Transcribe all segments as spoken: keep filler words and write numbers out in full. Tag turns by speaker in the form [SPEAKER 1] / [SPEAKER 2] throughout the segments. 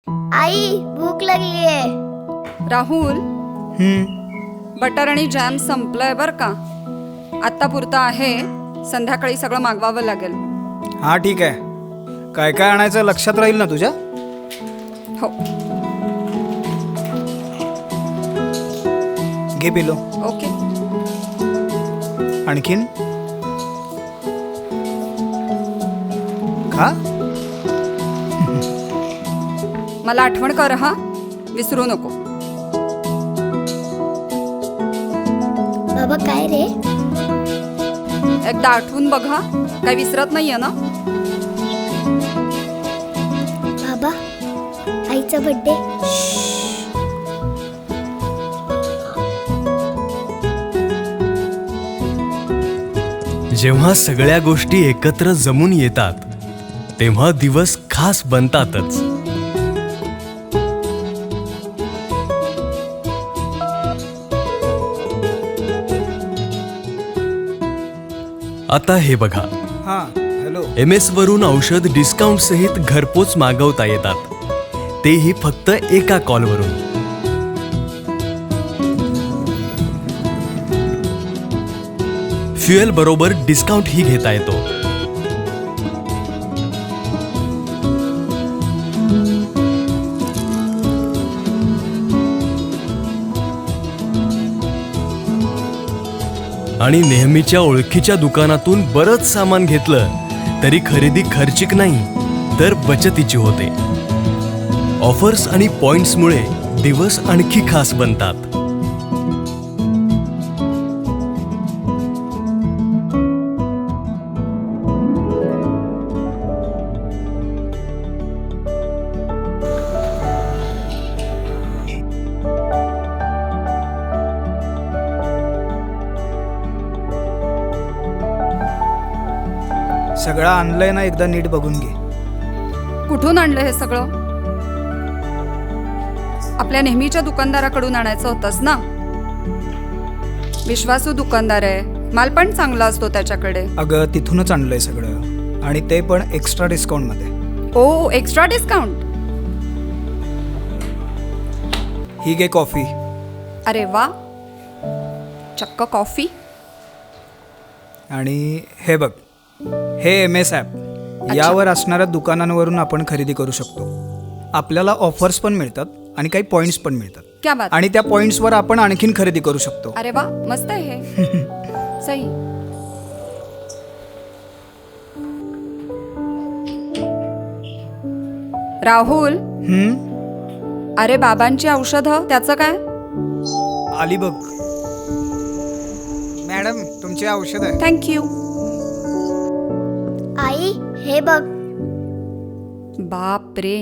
[SPEAKER 1] आई भूक लागली आहे.
[SPEAKER 2] राहुल,
[SPEAKER 3] हम्म
[SPEAKER 2] बटर आणि जॅम संपलंय बर का. आत्ता पुरता आहे, संध्याकाळी सगळं मागवावं लागेल.
[SPEAKER 3] हा ठीक आहे. काय काय आणायचं लक्षात राहील ना तुझ्या?
[SPEAKER 2] हो.
[SPEAKER 3] घे पिलो.
[SPEAKER 2] ओके.
[SPEAKER 3] आणखीन खा.
[SPEAKER 2] मला आठवण कर हा, विसरू नको.
[SPEAKER 1] बाबा काय रे?
[SPEAKER 2] एकदा आठवून बघा, काही विसरत नाहीये ना?
[SPEAKER 1] बाबा आईचा बर्थडे.
[SPEAKER 4] जेव्हा सगळ्या गोष्टी एकत्र जमून येतात तेव्हा दिवस खास बनतातच. आता हे बघा,
[SPEAKER 3] हा हॅलो.
[SPEAKER 4] एम एस वरून औषध डिस्काउंट सहित घरपोच मागवता येतात, तेही फक्त एका कॉलवरून. फ्युएल बरोबर डिस्काउंट ही घेता येतो. आणि नेहमीच्या ओळखीच्या दुकानातून बरंच सामान घेतलं तरी खरेदी खर्चिक नाही तर बचतीची होते. ऑफर्स आणि पॉइंट्समुळे दिवस आणखी खास बनतात.
[SPEAKER 3] सगळं आणलंय ना, एकदा नीट बघून घे.
[SPEAKER 2] कुठून आणलं हे सगळं? आपल्या नेहमीच्या दुकानदाराकडून आणायचं होतंस ना? विश्वासू दुकानदार आहे, माल पण चांगला असतो त्याच्याकडे.
[SPEAKER 3] अगं तिथूनच आणलंय सगळं, आणि ते पण एक्स्ट्रा डिस्काउंट मध्ये.
[SPEAKER 2] ओ, एक्स्ट्रा डिस्काउंट.
[SPEAKER 3] ही घे कॉफी.
[SPEAKER 2] अरे वा, चक्क कॉफी.
[SPEAKER 3] आणि हे बघ, हे एम एस ॲप. यावर असणाऱ्या दुकानांवरून आपण खरेदी करू शकतो. आपल्याला ऑफर्स पण मिळतात आणि काही पॉइंट्स पण मिळतात.
[SPEAKER 2] क्या बात.
[SPEAKER 3] आणि त्या पॉइंट्सवर आपण आणखीन खरेदी करू शकतो.
[SPEAKER 2] अरे वा, मस्त आहे हे. सही. राहुल,
[SPEAKER 3] हम्म
[SPEAKER 2] अरे बाबांची औषधं त्याचं काय?
[SPEAKER 3] आली बघ. मॅडम तुमची औषध आहे.
[SPEAKER 2] थँक्यू.
[SPEAKER 1] आई हे बघ.
[SPEAKER 2] बाप रे.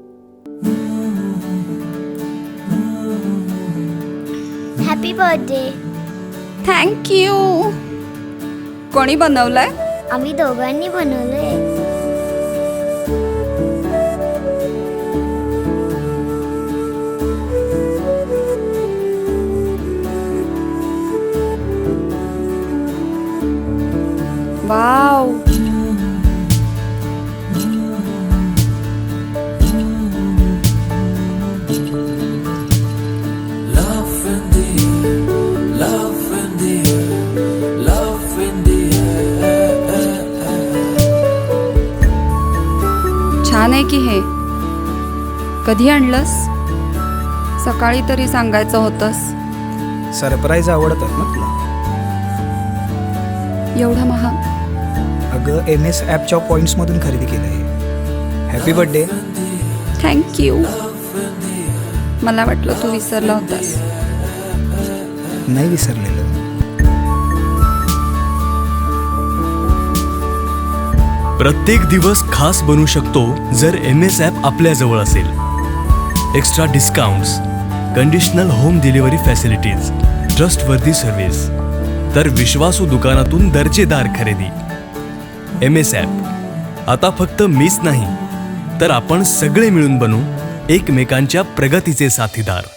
[SPEAKER 1] Happy birthday.
[SPEAKER 2] थँक्यू. कोणी बनवलंय?
[SPEAKER 1] आम्ही दोघांनी बनवलंय.
[SPEAKER 2] वाव. छान आहे की हे. कधी आणलंस? सकाळी तरी सांगायचं होतंस.
[SPEAKER 3] सरप्राईज आवडतात ना तुला?
[SPEAKER 2] एवढा महाग?
[SPEAKER 3] अगं एम एस ॲपच्या पॉईंट्समधून खरेदी केलं आहे. Happy birthday.
[SPEAKER 2] थँक्यू. मला वाटलं तू विसरला होतास.
[SPEAKER 3] नाही विसरलेलं.
[SPEAKER 4] प्रत्येक दिवस खास बनू शकतो जर एम एस ॲप आपल्याजवळ असेल. Extra discounts, conditional home delivery facilities, trustworthy service, तर विश्वासू दुकानातून दर्जेदार खरेदी. M S app. आता फक्त मीच नाही तर आपण सगळे मिळून बनू एकमेकांच्या प्रगतीचे साथीदार.